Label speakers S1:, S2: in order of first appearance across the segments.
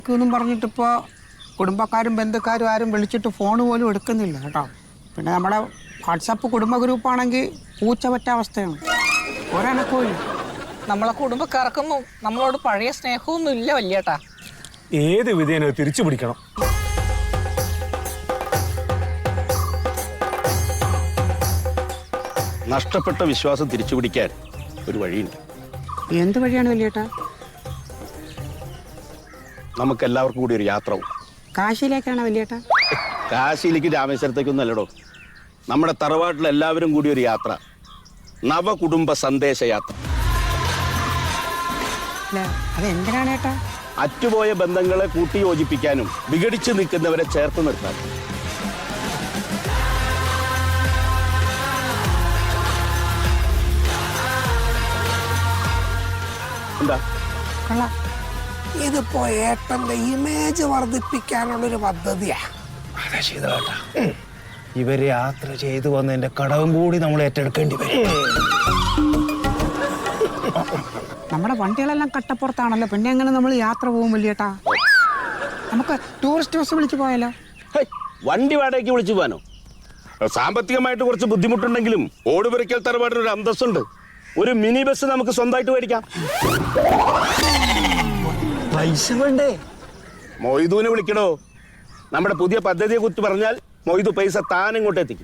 S1: എന്നും പറഞ്ഞിട്ടിപ്പോൾ കുടുംബക്കാരും ബന്ധുക്കാരും ആരും വിളിച്ചിട്ട് ഫോൺ പോലും എടുക്കുന്നില്ല കേട്ടോ. പിന്നെ നമ്മുടെ വാട്സപ്പ് കുടുംബ ഗ്രൂപ്പാണെങ്കിൽ പൂച്ച പറ്റ അവസ്ഥയാണ്. ഒരനക്കവും
S2: നമ്മളെ കുടുംബക്കാർക്കും നമ്മളോട് പഴയ സ്നേഹമൊന്നും ഇല്ല വല്യേട്ടാ.
S3: ഏത് വിധേന തിരിച്ചു പിടിക്കണം.
S4: നഷ്ടപ്പെട്ട വിശ്വാസം തിരിച്ചു പിടിക്കാൻ ഒരു വഴിയുണ്ട്.
S1: എന്ത് വഴിയാണ് വല്യേട്ടാ?
S4: നമുക്ക് എല്ലാവർക്കും കൂടി ഒരു യാത്ര പോകും.
S1: കാശിയിലേക്കാണ് വല്യേട്ടാ?
S4: കാശിയിലേക്ക് രാമേശ്വരത്തേക്കൊന്നും അല്ലടോ. നമ്മുടെ തറവാട്ടിൽ എല്ലാവരും കൂടി ഒരു യാത്ര, നവകുടുംബ സന്ദേശ യാത്ര.
S1: അതെന്തിനാണ് ഏട്ടാ?
S4: അറ്റുപോയ ബന്ധങ്ങളെ കൂട്ടിയോജിപ്പിക്കാനും വിഘടിച്ചു നിൽക്കുന്നവരെ ചേർത്ത് നിർത്താനും. എന്താ
S5: ഇതിപ്പോ ഏട്ടന്റെ ഇമേജ് വർദ്ധിപ്പിക്കാനുള്ളൊരു പദ്ധതിയാ.
S6: അതെ ശീതളേട്ടാ, ഇവര് യാത്ര ചെയ്തു വന്നതിന്റെ കടവും കൂടി നമ്മൾ ഏറ്റെടുക്കേണ്ടി വരും.
S1: നമ്മുടെ വണ്ടികളെല്ലാം കട്ടപ്പുറത്താണല്ലോ, പിന്നെ എങ്ങനെ നമ്മൾ യാത്ര പോകും വല്യേട്ടാ? നമുക്ക് ടൂറിസ്റ്റ് ബസ് വിളിച്ചു പോയാലോ?
S4: വണ്ടി വാടകയ്ക്ക് വിളിച്ചു പോകാനോ? സാമ്പത്തികമായിട്ട് കുറച്ച് ബുദ്ധിമുട്ടുണ്ടെങ്കിലും ഓടുപുരയ്ക്കൽ തറവാടിന് ഒരു അന്തസ്സുണ്ട്. ഒരു മിനി ബസ് നമുക്ക് സ്വന്തമായിട്ട് മേടിക്കാം.
S6: പൈസ വേണ്ടേ?
S4: മൊയ്തുവിനെ വിളിക്കണോ? നമ്മുടെ പുതിയ പദ്ധതിയെ കുറിച്ച് പറഞ്ഞാൽ മൊയ്തു പൈസ താൻ ഇങ്ങോട്ട് എത്തിക്കും.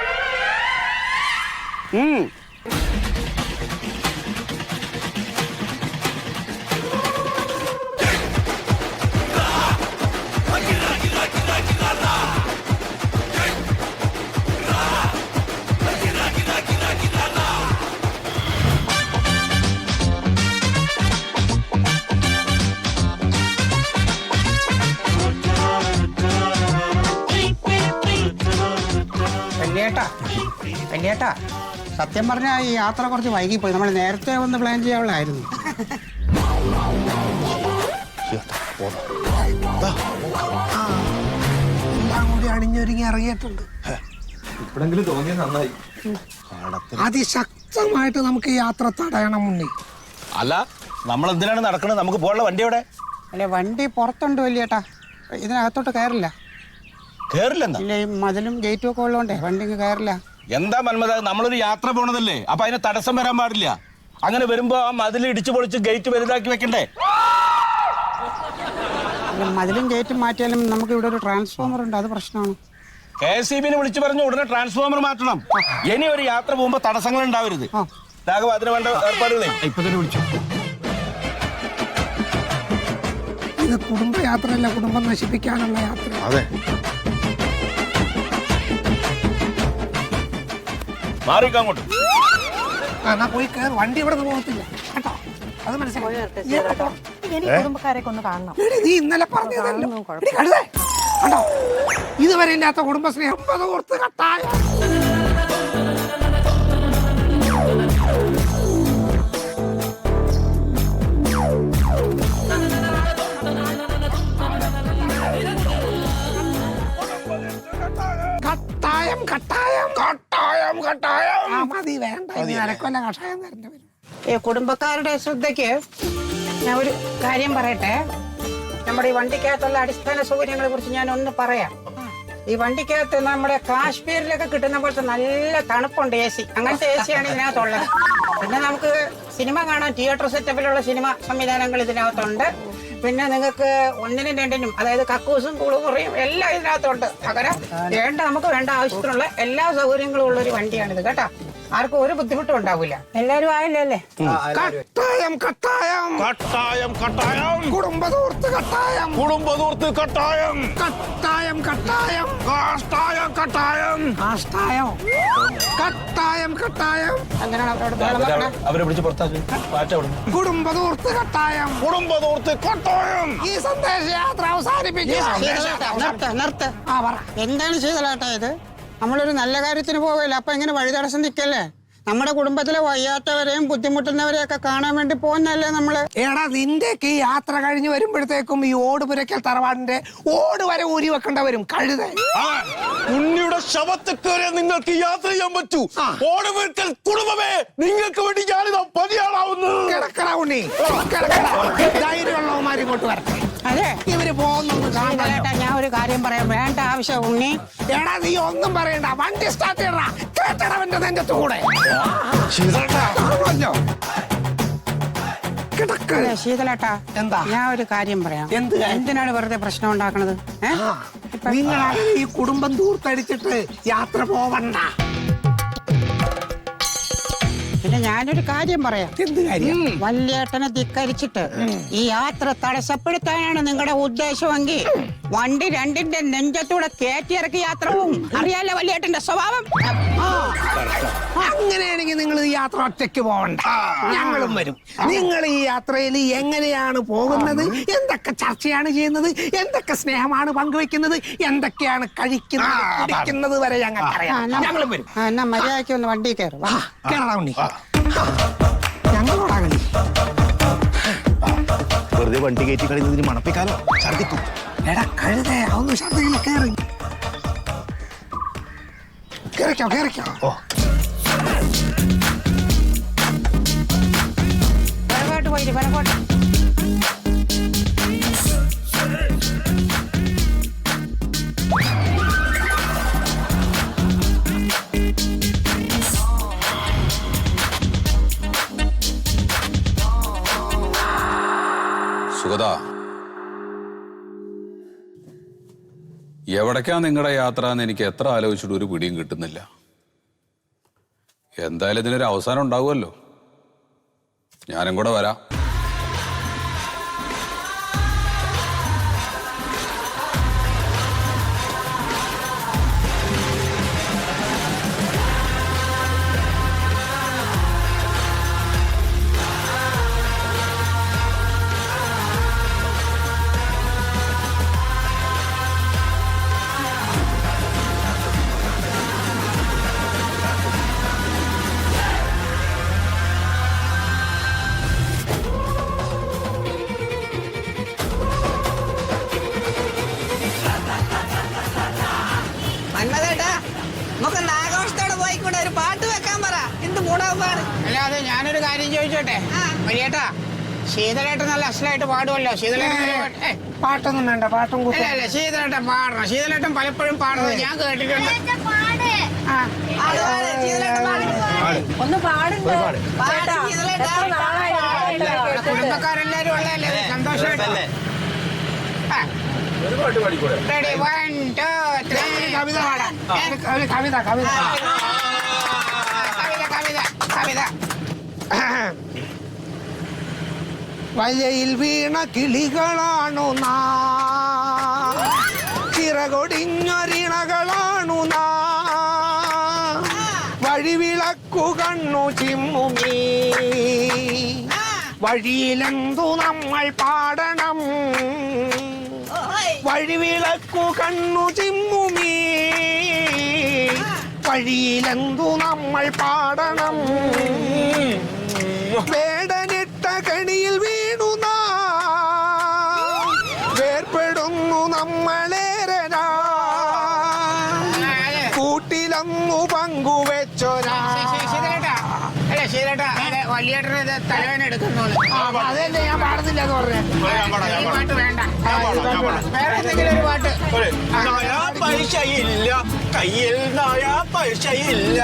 S1: വല്യേട്ടാ, സത്യം പറഞ്ഞാൽ ഈ യാത്ര കുറച്ച് വൈകിപ്പോയി. നമ്മൾ നേരത്തെ ഒന്ന് പ്ലാൻ ചെയ്യാനുള്ളതായിരുന്നു.
S5: എല്ലാം കൂടി അണിഞ്ഞൊരുങ്ങി ഇറങ്ങിയിട്ടുണ്ട്.
S6: ഇപ്പോഴെങ്കിലും തോന്നിയത് നന്നായി.
S5: അതിശക്തമായിട്ട് നമുക്ക് ഈ യാത്ര തടയണം മുന്നേ.
S4: അല്ല, നമ്മൾ എന്തിനാണ് നടക്കുന്നത്? നമുക്ക് പോകാനുള്ള വണ്ടി എവിടെ?
S1: അല്ലെ, വണ്ടി പുറത്തുണ്ട് വല്യേട്ടാ, ഇതിനകത്തോട്ട് കയറില്ല.
S4: കേറില്ലെന്നാ?
S1: ഇല്ല, ഈ മതിലും ഗേറ്റും ഒക്കെ ഉള്ളതുകൊണ്ടേ വണ്ടി കയറില്ല.
S4: എന്താ മന്മത, നമ്മളൊരു യാത്ര പോണതല്ലേ, അപ്പൊ അതിന് തടസ്സം വരാൻ പാടില്ല. അങ്ങനെ വരുമ്പോ ആ മതിൽ ഇടിച്ചു പൊളിച്ച് ഗേറ്റ് വലുതാക്കി വെക്കണ്ടേ?
S1: മതിലും ഗേറ്റും മാറ്റിയാലും നമുക്ക് ഇവിടെ ഒരു ട്രാൻസ്ഫോമർ ഉണ്ട്, അത് പ്രശ്നമാണ്.
S4: KSEB വിളിച്ചു പറഞ്ഞു ഉടനെ ട്രാൻസ്ഫോമർ മാറ്റണം. ഇനി ഒരു യാത്ര പോകുമ്പോ തടസ്സങ്ങൾ ഉണ്ടാവരുത്. അതിന് വേണ്ട ഏർപ്പാടുകളെ
S6: ഇപ്പൊ തന്നെ വിളിച്ചു.
S5: ഇത് കുടുംബയാത്രയല്ല, കുടുംബം നശിപ്പിക്കാനുള്ള യാത്ര.
S4: അതെ, മാറിക്കങ്ങോട്ട്.
S5: എന്നാ പോയി കയറി, വണ്ടി ഇവിടെ നിന്ന് പോകത്തില്ല കേട്ടോ, അത് മനസ്സിലായി.
S2: കുടുംബക്കാരൊക്കെ ഒന്ന് കാണണം.
S5: നീ ഇന്നലെ പറഞ്ഞതല്ലോ കണ്ടോ, ഇതുവരെ ഇല്ലാത്ത കുടുംബസ്നേഹം ഓർത്ത് കട്ടായ. കട്ടായം കട്ടായം കട്ടായം കട്ടായം. മതി, വേണ്ട, അരക്കൊല്ല കഷായം തരേണ്ടി വരും.
S1: കുടുംബക്കാരുടെ ശ്രദ്ധയ്ക്ക് ഞാൻ ഒരു കാര്യം പറയട്ടെ. നമ്മുടെ ഈ വണ്ടിക്കകത്തുള്ള അടിസ്ഥാന സൗകര്യങ്ങളെ കുറിച്ച് ഞാൻ ഒന്ന് പറയാം. ഈ വണ്ടിക്കകത്ത് നമ്മുടെ കാശ്മീരിലൊക്കെ കിട്ടുന്ന പോലത്തെ നല്ല തണുപ്പുണ്ട്, AC. അങ്ങനത്തെ AC ആണ് ഇതിനകത്തുള്ളത്. പിന്നെ നമുക്ക് സിനിമ കാണാൻ തിയേറ്റർ സെറ്റപ്പിലുള്ള സിനിമ സംവിധാനങ്ങൾ ഇതിനകത്തുണ്ട്. പിന്നെ നിങ്ങൾക്ക് ഒന്നിനും രണ്ടിനും, അതായത് കക്കൂസും കുളിമുറിയും എല്ലാം ഇതിനകത്തുണ്ട്. പകരം നമുക്ക് വേണ്ട ആവശ്യത്തിനുള്ള എല്ലാ സൗകര്യങ്ങളും ഉള്ള ഒരു വണ്ടിയാണിത് കേട്ടോ. ആർക്കും ഒരു ബുദ്ധിമുട്ടും ഉണ്ടാവില്ല. എല്ലാരും ആയില്ലേ?
S5: കട്ടായം കട്ടായം
S4: കട്ടായം കട്ടായം
S5: കുടുംബദൂർത്ത് കട്ടായം
S4: കുടുംബദൂർത്ത് കട്ടായം
S5: കട്ടായം കട്ടായം
S4: കാഷ്ടായം കട്ടായം
S5: കാഷ്ടായം കട്ടായം കട്ടായം.
S1: അങ്ങനെയാണ്
S4: അവരെ പിടിച്ച് പുറത്താക്കി മാറ്റം.
S5: കുടുംബദൂർത്ത് കട്ടായം
S4: കുടുംബദൂർത്ത് കട്ടായം.
S5: ഈ സന്ദേശയാത്ര അവസാനിപ്പിക്കുക.
S1: നിർത്ത്. എന്താണ് ചെയ്തലാട്ടാ ഇത്? നമ്മളൊരു നല്ല കാര്യത്തിന് പോവില്ല, അപ്പൊ ഇങ്ങനെ വഴി തടസ്സം നിൽക്കല്ലേ? നമ്മുടെ കുടുംബത്തിലെ വയ്യാത്തവരെയും ബുദ്ധിമുട്ടുന്നവരെയൊക്കെ കാണാൻ വേണ്ടി പോകുന്നല്ലേ നമ്മള്.
S5: എടാ, നിന്റെയൊക്കെ ഈ യാത്ര കഴിഞ്ഞ് വരുമ്പോഴത്തേക്കും ഈ ഓടുപുരയ്ക്കൽ തറവാടിന്റെ ഓട് വരെ ഊരി വെക്കേണ്ട വരും. കഴുത
S4: ഉണ്ണിയുടെ ശവത്തൊക്കെ നിങ്ങൾക്ക് യാത്ര ചെയ്യാൻ പറ്റൂ. ഓടുപുരയ്ക്കൽ കുടുംബമേ, നിങ്ങൾക്ക് വേണ്ടി ഞാനിതാ പതിയാളാവുന്നു.
S5: കിടക്കട ഉണ്ണി, കിടക്കട. ധൈര്യമുള്ളവന്മാർ ഇങ്ങോട്ട് വരട്ടെ.
S1: അതെ
S5: ഇവര് പോകുന്നു കാണാൻ.
S1: ശീതളേട്ടാ ഞാൻ ഒരു കാര്യം പറയാം, വേണ്ട ആവശ്യം ഉണ്ണി.
S5: എടാ നീ ഒന്നും പറയണ്ട, വണ്ടി സ്റ്റാർട്ട് ചെയ്യടാ, കേട്ടടവന്റെ നെഞ്ചത്ത് കൂടെ. ആണല്ലോ. കിടക്ക്.
S1: അതെ ശീതളേട്ടാ,
S5: എന്താ?
S1: ഞാൻ ഒരു കാര്യം പറയാം.
S5: എന്ത് കാര്യം?
S1: എന്തിനാണ് വെറുതെ പ്രശ്നം ഉണ്ടാക്കണത്?
S5: നിങ്ങളാണ് ഈ കുടുംബം ദൂർത്തടിച്ചിട്ട് യാത്ര പോവണ്ട.
S1: പിന്നെ ഞാനൊരു കാര്യം പറയാം.
S5: എന്ത് കാര്യം?
S1: വല്യേട്ടനെ ധിക്കരിച്ചിട്ട് ഈ യാത്ര തടസ്സപ്പെടുത്താനാണ് നിങ്ങളുടെ ഉദ്ദേശമെങ്കിൽ വണ്ടി രണ്ടിന്റെ നെഞ്ചത്തൂടെ കയറ്റിയിറക്കി യാത്ര പോവും. അറിയാലോ വല്യേട്ടന്റെ സ്വഭാവം.
S5: അങ്ങനെയാണെങ്കിൽ നിങ്ങൾ ഈ യാത്ര ഒറ്റയ്ക്ക് പോവണ്ട, ഞങ്ങളും വരും. നിങ്ങൾ ഈ യാത്രയിൽ എങ്ങനെയാണ് പോകുന്നത്, എന്തൊക്കെ ചർച്ചയാണ് ചെയ്യുന്നത്, എന്തൊക്കെ സ്നേഹമാണ് പങ്കുവെക്കുന്നത്, എന്തൊക്കെയാണ് കഴിക്കുന്നത് കുടിക്കുന്നത് വരെ ഞങ്ങളും വരും.
S1: എന്നാ മര്യാദയ്ക്ക് ഒന്ന് വണ്ടി കയറും.
S5: കേരള ഉണ്ണി, ഞങ്ങളോടാ കളി.
S6: വെറുതെ വണ്ടി കയറ്റി കളിക്കുന്നതിന് മണപ്പിക്കാലോ, ഛർദിക്കും.
S5: എടാ കഴുതേ, ഒന്ന് ഛർദ്ദിക്കില്ല, കേറി കേറിക്കോ കേറിക്കോ.
S1: പരകോട്ട് പോയിട്ട് പരകോട്ട്.
S7: സുഗത, എവിടേക്കാ നിങ്ങളുടെ യാത്ര എന്ന് എനിക്ക് എത്ര ആലോചിച്ചിട്ട് ഒരു പിടിയും കിട്ടുന്നില്ല. എന്തായാലും ഇതിനൊരു അവസാനം ഉണ്ടാവുമല്ലോ. ഞാനും കൂടെ വരാം.
S2: മന്മഥേട്ടാ, നമുക്ക് ആഘോഷത്തോടെ പോയിക്കൂടെ? ഒരു പാട്ട് വെക്കാൻ പറ. എന്ത് മൂടാവുമാണ്.
S1: അല്ലാതെ ഞാനൊരു കാര്യം ചോദിച്ചോട്ടെ വലിയേട്ടാ, ശീതളേട്ടൻ നല്ല അസലായിട്ട് പാടുമല്ലോ. ശീതളേട്ടൻ
S5: പാട്ടൊന്നും വേണ്ട, പാട്ടും കൂട്ടും.
S1: അല്ല ശീതളേട്ടൻ പാടണം. ശീതളേട്ടൻ പലപ്പോഴും പാടുന്നത് ഞാൻ കേട്ടിട്ടുണ്ട്.
S2: ഒന്ന് പാടുണ്ടോ?
S1: കുടുംബക്കാരെല്ലാരും ഉള്ളതല്ലേ, സന്തോഷമായിട്ട്. Ready, 1, 2, 3.
S5: കവിത പാടാം. കവിത കവിത
S1: കവിത കവിത.
S5: വയയിൽ വീണ കിളികളാണു നാം, ചിറകൊടിഞ്ഞൊരിണകളാണു നാം, വഴിവിളക്കു കണ്ണു ചിമ്മുമീ വഴിയിലെന്തു നമ്മൾ പാടണം, വഴിവിളക്കു കണ്ണു ചിമ്മുമീ വഴിയിലെന്തു നമ്മൾ പാടണം, വേടനിട്ട കണിയിൽ വീണു നാം വേർപ്പെടുന്നു നമ്മളേരനാ, കൂട്ടിലങ്ങു പങ്കുവെച്ചൊരാ.
S1: ശീതളേട്ടാ, വലിയേട്ടന് തലവേന എടുക്കുന്നു.
S5: അതല്ലേ ഞാൻ പാടുന്നില്ല എന്ന് പറഞ്ഞേ.
S1: ഈ പാട്ട് വേണ്ട, വേറെ എന്തെങ്കിലും ഒരു പാട്ട്.
S6: പൈസയില്ല കയ്യിൽ പൈസയില്ല,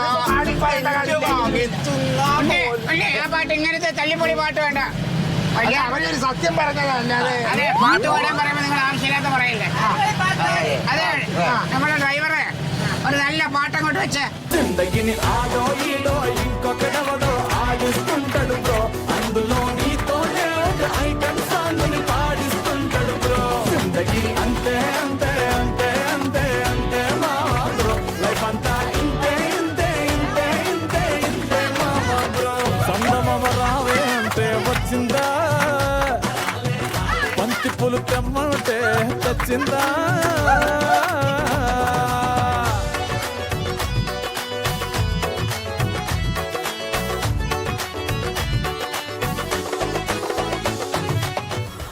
S1: ഉണ്ണി, ആ പാട്ട് ഇങ്ങനത്തെ തല്ലിപ്പൊളി പാട്ട് വേണ്ട.
S5: അവരൊരു സത്യം പറഞ്ഞതല്ലാതെ.
S1: അതെ, പാട്ട് പാടാൻ പറയുമ്പോ നിങ്ങൾ ആവശ്യമില്ലാത്ത പറയില്ലേ. അതെ, നമ്മുടെ ഡ്രൈവറെ ഒരു നല്ല പാട്ടങ്ങോട്ട് വെച്ച്.
S8: బంతి పులు తెమ్మంటే తెచ్చిందా